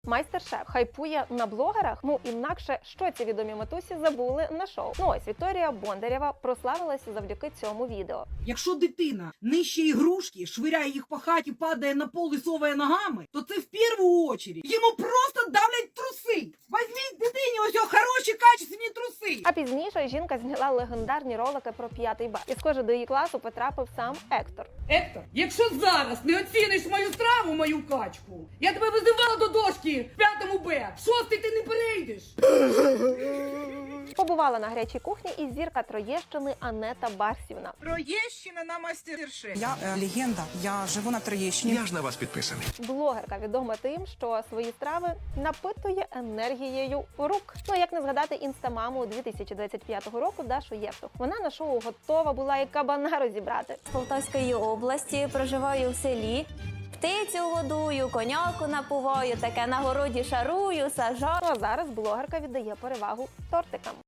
Майстер-шеф хайпує на блогерах? Ну, інакше, що ці відомі матусі забули на шоу? Ну ось, Вікторія Бондарєва прославилася завдяки цьому відео. Якщо дитина нищить ігрушки, швиряє їх по хаті, падає на пол і соває ногами, то це в першу чергу йому просто давлять труси. Візьміть дитині ось хороші, качественні труси. А пізніше жінка зняла легендарні ролики про 5 Б. І схоже, до її класу потрапив сам Ектор. Ектор, якщо зараз не оціниш мою страву, мою качку, я тебе визивала до дошки в 5 Б, в 6 ти не перейдеш. Побувала на гарячій кухні і зірка Троєщини Анета Барсівна. Троєщина на мастер-шеф. Я легенда, я живу на Троєщині. Я ж на вас підписаний. Блогерка відома тим, що свої страви напитує енергією рук. Ну, як не згадати інстамаму 2025 року Дашу Євтух. Вона на шоу готова була і кабана розібрати. З Полтавської області, проживаю в селі. Птицю годую, коняку напуваю, таке на городі шарую, сажаю. Ну а зараз блогерка віддає перевагу тортикам.